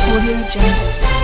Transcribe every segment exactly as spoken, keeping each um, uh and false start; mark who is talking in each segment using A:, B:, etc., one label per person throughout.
A: Audio Jungle।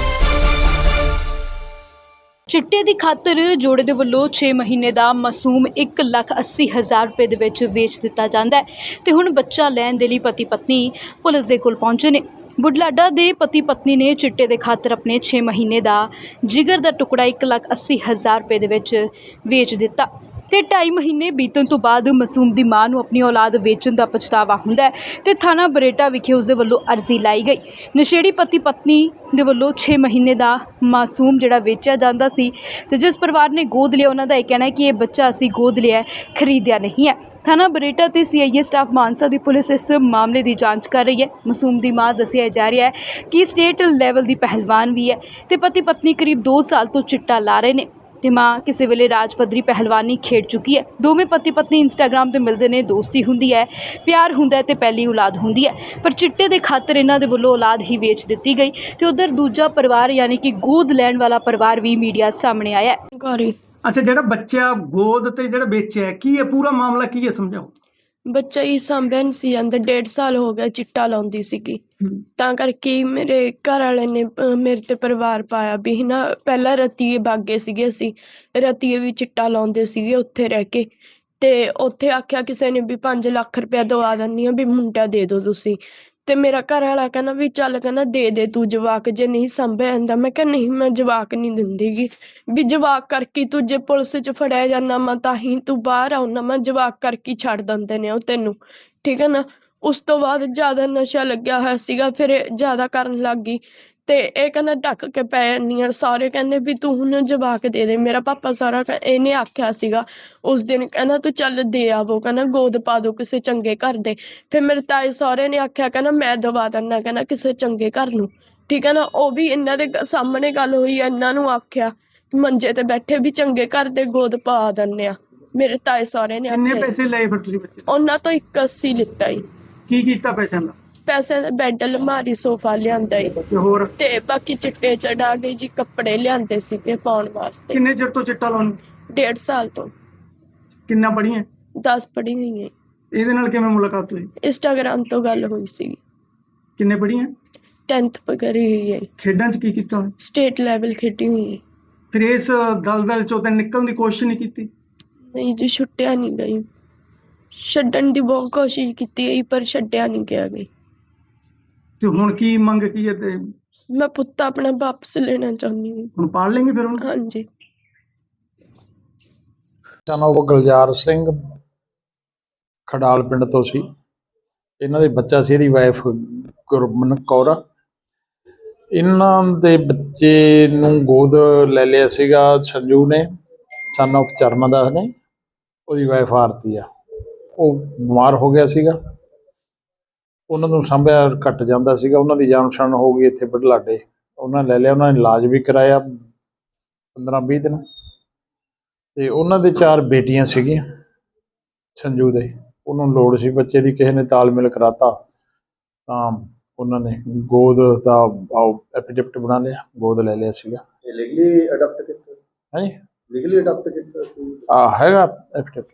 A: ਚਿੱਟੇ ਦੀ ਖਾਤਰ ਜੋੜੇ ਦੇ ਵੱਲੋਂ ਛੇ ਮਹੀਨੇ ਦਾ ਮਾਸੂਮ ਇੱਕ ਲੱਖ ਅੱਸੀ ਹਜ਼ਾਰ ਰੁਪਏ ਦੇ ਵਿੱਚ ਵੇਚ ਦਿੱਤਾ ਜਾਂਦਾ ਹੈ ਤੇ ਹੁਣ ਬੱਚਾ ਲੈਣ ਦੇ ਲਈ ਪਤੀ ਪਤਨੀ ਪੁਲਿਸ ਦੇ ਕੋਲ ਪਹੁੰਚੇ ਨੇ। ਬੁਢਲਾਡਾ ਦੇ ਪਤੀ ਪਤਨੀ ਨੇ ਚਿੱਟੇ ਦੇ ਖਾਤਰ ਆਪਣੇ ਛੇ ਮਹੀਨੇ ਦਾ ਜਿਗਰ ਦਾ ਟੁਕੜਾ ਇੱਕ ਲੱਖ ਅੱਸੀ ਹਜ਼ਾਰ ਰੁਪਏ ਦੇ ਵਿੱਚ ਵੇਚ ਦਿੱਤਾ ਤੇ ਢਾਈ ਮਹੀਨੇ ਬੀਤਣ ਤੋਂ ਬਾਅਦ ਮਾਸੂਮ ਦੀ ਮਾਂ ਨੂੰ ਆਪਣੀ ਔਲਾਦ ਵੇਚਣ ਦਾ ਪਛਤਾਵਾ ਹੁੰਦਾ ਹੈ ਤੇ ਥਾਣਾ ਬਰੇਟਾ ਵਿਖੇ ਉਸ ਦੇ ਵੱਲੋਂ ਅਰਜ਼ੀ ਲਾਈ ਗਈ। ਨਸ਼ੇੜੀ ਪਤੀ ਪਤਨੀ ਦੇ ਵੱਲੋਂ ਛੇ ਮਹੀਨੇ ਦਾ ਮਾਸੂਮ ਜਿਹੜਾ ਵੇਚਿਆ ਜਾਂਦਾ ਸੀ ਤੇ ਜਿਸ ਪਰਿਵਾਰ ਨੇ ਗੋਦ ਲਿਆ ਉਹਨਾਂ ਦਾ ਇਹ ਕਹਿਣਾ ਹੈ ਕਿ ਇਹ ਬੱਚਾ ਅਸੀਂ ਗੋਦ ਲਿਆ, ਖਰੀਦਿਆ ਨਹੀਂ ਹੈ। ਥਾਣਾ ਬਰੇਟਾ ਤੇ C I A staff Mansa ਦੀ ਪੁਲਿਸ ਇਸ ਮਾਮਲੇ ਦੀ ਜਾਂਚ ਕਰ ਰਹੀ ਹੈ। ਮਾਸੂਮ ਦੀ ਮਾਂ ਦੱਸਿਆ ਜਾ ਰਿਹਾ ਹੈ ਕਿ ਸਟੇਟ ਲੈਵਲ ਦੀ ਪਹਿਲਵਾਨ ਵੀ ਹੈ ਤੇ ਪਤੀ ਪਤਨੀ ਕਰੀਬ ਦੋ ਸਾਲ ਤੋਂ ਚਿੱਟਾ ਲਾ ਰਹੇ ਨੇ ਤੇ ਮਾਂ ਕਿਸੇ ਵੇਲੇ ਰਾਜ ਪੱਧਰੀ ਪਹਿਲਵਾਨੀ ਖੇਡ ਚੁੱਕੀ ਹੈ। ਦੋਵੇਂ ਪਤੀ ਪਤਨੀ ਇੰਸਟਾਗ੍ਰਾਮ ਤੇ ਮਿਲਦੇ ਨੇ, ਦੋਸਤੀ ਹੁੰਦੀ ਹੈ, ਪਿਆਰ ਹੁੰਦਾ ਹੈ ਤੇ ਪਹਿਲੀ ਔਲਾਦ ਹੁੰਦੀ ਹੈ, ਪਰ ਚਿੱਟੇ ਦੇ ਖਾਤਰ ਇਹਨਾਂ ਦੇ ਵੱਲੋਂ ਔਲਾਦ ਹੀ ਵੇਚ ਦਿੱਤੀ ਗਈ ਤੇ ਉਧਰ ਦੂਜਾ ਪਰਿਵਾਰ ਯਾਨੀ ਕਿ ਗੋਦ ਲੈਣ ਵਾਲਾ ਪਰਿਵਾਰ ਵੀ ਮੀਡੀਆ ਸਾਹਮਣੇ ਆਇਆ ਹੈ।
B: ਅੱਛਾ, ਜਿਹੜਾ ਬੱਚਾ ਗੋਦ ਤੇ ਜਿਹੜਾ ਵੇਚਿਆ ਕੀ ਹੈ, ਪੂਰਾ ਮਾਮਲਾ ਕੀ ਹੈ, ਸਮਝਾਓ।
C: ਬੱਚਾ ਹੀ ਸਾਂਭਿਆ ਨਹੀਂ ਸੀ ਜਾਂਦਾ, ਡੇਢ ਸਾਲ ਹੋ ਗਿਆ ਚਿੱਟਾ ਲਾਉਂਦੀ ਸੀਗੀ, ਤਾਂ ਕਰਕੇ ਮੇਰੇ ਘਰ ਵਾਲੇ ਨੇ ਅਹ ਮੇਰੇ ਤੇ ਪਰਿਵਾਰ ਪਾਇਆ ਵੀ ਨਾ। ਪਹਿਲਾਂ ਰਤੀਏ ਬਾਗੇ ਸੀਗੇ, ਅਸੀਂ ਰਤੀਏ ਵੀ ਚਿੱਟਾ ਲਾਉਂਦੇ ਸੀਗੇ ਉੱਥੇ ਰਹਿ ਕੇ, ਤੇ ਉੱਥੇ ਆਖਿਆ ਕਿਸੇ ਨੇ ਵੀ ਪੰਜ ਲੱਖ ਰੁਪਇਆ ਦਵਾ ਦਿੰਦੀ ਹਾਂ ਵੀ ਮੁੰਡਾ ਦੇ ਦਿਓ ਤੁਸੀਂ। ਤੇ ਮੇਰਾ ਘਰ ਵਾਲਾ ਕਹਿੰਦਾ ਵੀ ਚੱਲ, ਕਹਿੰਦਾ ਦੇ ਦੇ ਤੂੰ ਜਵਾਕ, ਜੇ ਨਹੀਂ ਸਾਂਭਿਆ ਜਾਂਦਾ। ਮੈਂ ਕਿਹਾ ਨਹੀਂ, ਮੈਂ ਜਵਾਕ ਨਹੀਂ ਦਿੰਦੀ ਗੀ, ਵੀ ਜਵਾਕ ਕਰਕੇ ਤੂੰ ਜੇ ਪੁਲਿਸ 'ਚ ਫੜਿਆ ਜਾਂਦਾ ਮੈਂ ਤਾਂ ਹੀ ਤੂੰ ਬਾਹਰ ਆਉਣਾ, ਮੈਂ ਜਵਾਕ ਕਰਕੇ ਛੱਡ ਦਿੰਦੇ ਨੇ ਉਹ ਤੈਨੂੰ, ਠੀਕ ਹੈ ਨਾ। ਉਸ ਤੋਂ ਬਾਅਦ ਜ਼ਿਆਦਾ ਨਸ਼ਾ ਲੱਗਿਆ ਹੋਇਆ ਸੀਗਾ, ਫਿਰ ਇਹ ਜ਼ਿਆਦਾ ਕਰਨ ਲੱਗ ਗਈ ਤੇ ਇਹ ਕਹਿੰਦਾ ਢੱਕ ਕੇ ਪੈ ਜਾਂਦੀ ਆ। ਸਾਰੇ ਕਹਿੰਦੇ ਵੀ ਤੂੰ ਹੁਣ ਜਵਾਕ ਦੇ ਦੇ। ਮੇਰਾ ਪਾਪਾ ਸਾਰਾ ਇਹਨੇ ਆਖਿਆ ਸੀਗਾ ਉਸ ਦਿਨ, ਕਹਿੰਦਾ ਤੂੰ ਚੱਲ ਦੇ ਆਵੋ, ਕਹਿੰਦਾ ਗੋਦ ਪਾ ਦੋ ਕਿਸੇ ਚੰਗੇ ਘਰ ਦੇ। ਫਿਰ ਮੇਰੇ ਤਾਏ ਸਹੁਰੇ ਨੇ ਆਖਿਆ, ਕਹਿੰਦਾ ਮੈਂ ਦਵਾ ਦਿੰਦਾ, ਕਹਿੰਦਾ ਕਿਸੇ ਚੰਗੇ ਘਰ ਨੂੰ, ਠੀਕ ਹੈ ਨਾ। ਉਹ ਵੀ ਇਹਨਾਂ ਦੇ ਸਾਹਮਣੇ ਗੱਲ ਹੋਈ, ਇਹਨਾਂ ਨੂੰ ਆਖਿਆ ਮੰਜੇ ਤੇ ਬੈਠੇ ਵੀ ਚੰਗੇ ਘਰ ਦੇ ਗੋਦ ਪਾ ਦਿੰਦੇ ਆ। ਮੇਰੇ ਤਾਏ ਸਹੁਰੇ ਨੇ
B: ਕਿੰਨੇ
C: ਆਖਿਆ।
B: ਪੈਸੇ ਲਏ ਫਿਰ ਤੁਸੀਂ ਬੱਚੇ ਤੋਂ?
C: ਉਹਨਾਂ ਤੋਂ ਇੱਕ ਅੱਸੀ ਲਿੱਤਾ ਜੀ।
B: ਕੀ ਕੀਤਾ ਪੈਸਿਆਂ ਦਾ?
C: ਪੈਸੇ ਦਾ ਬੈੱਡ, ਅਲਮਾਰੀ, ਸੋਫਾ ਲਿਆਂਦਾ ਈ
B: ਤੇ ਹੋਰ
C: ਤੇ ਬਾਕੀ ਚਿੱਟੇ ਚੜਾ ਕੇ ਜੀ ਕੱਪੜੇ ਲਿਆਂਦੇ ਸੀਗੇ ਪਾਉਣ ਵਾਸਤੇ।
B: ਕਿੰਨੇ ਚਿਰ ਤੋਂ ਚਿੱਟਾ ਲਾਉਣ?
C: ਡੇਢ ਸਾਲ ਤੋਂ।
B: ਕਿੰਨਾ ਪੜ੍ਹੀਆਂ?
C: ਦਸ ਪੜ੍ਹੀ ਹੋਈ ਹੈ।
B: ਇਹਦੇ ਨਾਲ ਕਿਵੇਂ ਮੁਲਾਕਾਤ ਹੋਈ?
C: ਇੰਸਟਾਗ੍ਰਾਮ ਤੋਂ ਗੱਲ ਹੋਈ ਸੀ।
B: ਕਿੰਨੇ ਪੜ੍ਹੀਆਂ?
C: ਟੈਂਥ ਕਰੀ ਹੋਈ ਹੈ।
B: ਖੇਡਾਂ 'ਚ ਕੀ ਕੀਤਾ ਹੋਇਆ?
C: ਸਟੇਟ ਲੈਵਲ ਖੇਡੀ ਹੋਈ ਹੈ।
B: ਫਿਰ ਇਸ ਦਲਦਲ 'ਚੋਂ ਤਾਂ ਨਿਕਲਣ ਦੀ ਕੋਸ਼ਿਸ਼ ਨਹੀਂ ਕੀਤੀ?
C: ਨਹੀਂ ਜੀ, ਛੁੱਟਿਆ ਨਹੀਂ ਗਈ। ਛੱਡਣ ਦੀ ਬਹੁਤ ਕੋਸ਼ਿਸ਼ ਕੀਤੀ ਹੈ ਪਰ ਛੱਡਿਆ ਨਹੀਂ ਗਿਆ ਗਈ।
B: ਤੇ ਹੁਣ ਕੀ ਮੰਗ ਕੀ ਹੈ? ਤੇ
C: ਮੈਂ ਪੁੱਤ ਆਪਣਾ ਵਾਪਸ ਲੈਣਾ ਚਾਹੁੰਦੀ ਹਾਂ।
B: ਹੁਣ ਪਾਲ ਲੈਂਗੇ ਫਿਰ ਹੁਣ?
C: ਹਾਂਜੀ।
D: ਉਹ ਗੁਲਜ਼ਾਰ ਸਿੰਘ ਖਡਾਲ ਪਿੰਡ ਤੋਂ ਸੀ। ਇਹਨਾਂ ਦੇ ਬੱਚਾ ਸੀ, ਇਹਦੀ ਵਾਈਫ ਗੁਰਮਨ ਕੌਰ। ਇਹਨਾਂ ਦੇ ਬੱਚੇ ਨੂੰ ਗੋਦ ਲੈ ਲਿਆ ਸੀਗਾ ਸੰਜੂ ਨੇ, ਸਨ ਆਫ ਚਰਮਦਾਸ ਨੇ। ਉਹਦੀ ਵਾਈਫ ਆਰਤੀ ਆ, ਉਹ ਬਿਮਾਰ ਹੋ ਗਿਆ ਸੀਗਾ, ਉਹਨਾਂ ਨੂੰ ਸਾਂਭਿਆ ਘੱਟ ਜਾਂਦਾ ਸੀਗਾ। ਉਹਨਾਂ ਦੀ ਜਾਣ ਪਛਾਣ ਹੋ ਗਈ ਇੱਥੇ ਬੁਢਲਾਡੇ, ਉਹਨਾਂ ਲੈ ਲਿਆ। ਉਹਨਾਂ ਨੇ ਇਲਾਜ ਵੀ ਕਰਾਇਆ ਪੰਦਰਾਂ ਵੀਹ ਦਿਨ। ਤੇ ਉਹਨਾਂ ਦੇ ਚਾਰ ਬੇਟੀਆਂ ਸੀਗੀਆਂ ਸੰਜੂ ਦੇ। ਉਹਨੂੰ ਲੋੜ ਸੀ ਬੱਚੇ ਦੀ, ਕਿਸੇ ਨੇ ਤਾਲਮੇਲ ਕਰਾਤਾ ਤਾਂ ਉਹਨਾਂ ਨੇ ਗੋਦ ਦਾ ਐਫੀਡੇਵਿਟ ਬਣਾ ਲਿਆ, ਗੋਦ ਲੈ ਲਿਆ ਸੀਗਾ।
E: ਲੀਗਲੀ ਅਡਾਪਟ ਕੀਤਾ?
D: ਹਾਂਜੀ,
E: ਲੀਗਲੀ ਅਡਾਪਟ ਕੀਤਾ ਸੀ।
D: ਆ ਹੈਗਾ ਐਫੀਡੇਵਿਟ।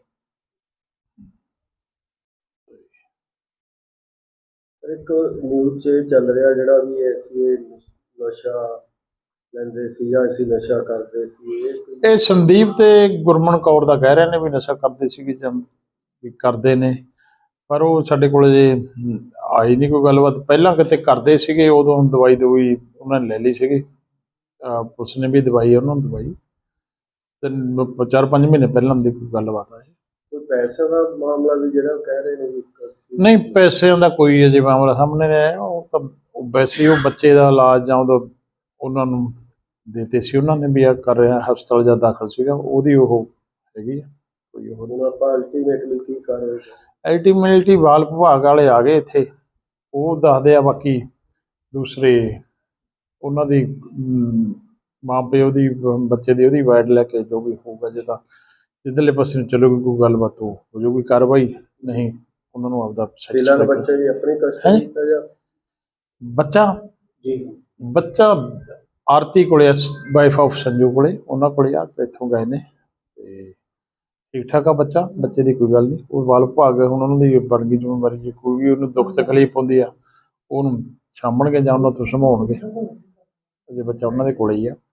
E: ਇੱਕ ਨਿਊਜ਼ 'ਚ ਚੱਲ ਰਿਹਾ ਜਿਹੜਾ ਵੀ ਅਸੀਂ ਨਸ਼ਾ ਲੈਂਦੇ ਸੀ ਜਾਂ ਅਸੀਂ ਨਸ਼ਾ ਕਰਦੇ ਸੀ।
D: ਇਹ ਸੰਦੀਪ ਤੇ ਗੁਰਮਨ ਕੌਰ ਦਾ ਕਹਿ ਰਹੇ ਨੇ ਵੀ ਨਸ਼ਾ ਕਰਦੇ ਸੀਗੇ ਜਾਂ ਵੀ ਕਰਦੇ ਨੇ, ਪਰ ਉਹ ਸਾਡੇ ਕੋਲ ਜੇ ਆਈ ਨਹੀਂ ਕੋਈ ਗੱਲਬਾਤ। ਪਹਿਲਾਂ ਕਿਤੇ ਕਰਦੇ ਸੀਗੇ, ਉਦੋਂ ਦਵਾਈ ਦਵਾਈ ਉਹਨਾਂ ਨੇ ਲੈ ਲਈ ਸੀਗੀ, ਪੁਲਿਸ ਨੇ ਵੀ ਦਵਾਈ ਉਹਨਾਂ ਨੂੰ ਦਵਾਈ। ਤੇ ਚਾਰ ਪੰਜ ਮਹੀਨੇ ਪਹਿਲਾਂ ਦੀ ਕੋਈ ਗੱਲਬਾਤ ਆਈ।
E: ਕੋਈ ਪੈਸੇ ਦਾ ਮਾਮਲਾ ਵੀ ਜਿਹੜਾ ਕਹਿ ਰਹੇ ਨੇ ਵੀ?
D: ਨਹੀਂ, ਪੈਸਿਆਂ ਦਾ ਕੋਈ ਅਜੇ ਮਾਮਲਾ ਸਾਹਮਣੇ ਨਹੀਂ ਆਇਆ। ਉਹ ਤਾਂ ਵੈਸੇ ਉਹ ਬੱਚੇ ਦਾ ਇਲਾਜ ਜਾਂ ਉਦੋਂ ਉਹਨਾਂ ਨੂੰ ਦਿੱਤੇ ਸੀ, ਉਹਨਾਂ ਨੇ ਵੀ ਆ ਕਰ ਰਿਹਾ ਹਸਪਤਾਲ ਜਾਂ ਦਾਖਲ ਸੀਗਾ, ਉਹਦੀ ਉਹ ਹੈਗੀ ਆ ਕੋਈ। ਉਹ
E: ਹੁਣ ਆਪਾਂ ਅਲਟੀਮੇਟਲੀ ਕੀ ਕਰ ਰਹੇ?
D: ਅਲਟੀਮੇਟਲੀ ਬਾਲ ਵਿਭਾਗ ਵਾਲੇ ਆ ਗਏ ਇੱਥੇ, ਉਹ ਦੱਸਦੇ ਆ। ਬਾਕੀ ਦੂਸਰੇ ਉਹਨਾਂ ਦੀ ਮਾਂ ਪਿਓ ਦੀ ਬੱਚੇ ਦੀ ਉਹਦੀ ਵਾਈਡ ਲੈ ਕੇ ਜੋ ਵੀ ਹੋਊਗਾ, ਜੇ ਤਾਂ ਜਿੱਧਰਲੇ ਪਾਸੇ ਨੂੰ ਚਲੂਗੀ ਕੋਈ ਗੱਲਬਾਤ ਉਹ ਹੋ ਜਾਊਗੀ ਕਾਰਵਾਈ, ਨਹੀਂ ਉਹਨਾਂ ਨੂੰ ਆਪਦਾ
E: ਬੱਚਾ ਜੀ ਆਪਣੀ ਕਸਟਡੀ ਦਾ ਜਾਂ
D: ਬੱਚਾ
E: ਜੀ
D: ਬੱਚਾ ਆਰਤੀ ਕੋਲੇ, ਵਾਈਫ ਆਫ ਸੰਜੂ ਕੋਲੇ, ਉਹਨਾਂ ਕੋਲੇ ਆ। ਤੇ ਇੱਥੋਂ ਗਏ ਨੇ ਤੇ ਠੀਕ ਠਾਕ ਆ ਬੱਚਾ, ਬੱਚੇ ਦੀ ਕੋਈ ਗੱਲ ਨਹੀਂ। ਉਹ ਬਾਲ ਵਿਭਾਗ ਹੁਣ ਉਹਨਾਂ ਦੀ ਬਣ ਗਈ ਜ਼ਿੰਮੇਵਾਰੀ, ਜੇ ਕੋਈ ਵੀ ਉਹਨੂੰ ਦੁੱਖ ਤਕਲੀਫ ਹੁੰਦੀ ਆ ਉਹਨੂੰ ਸਾਂਭਣਗੇ ਜਾਂ ਉਹਨਾਂ ਤੋਂ ਸੰਭਾਉਣਗੇ। ਅਜੇ ਬੱਚਾ ਉਹਨਾਂ ਦੇ ਕੋਲੇ ਹੀ ਆ।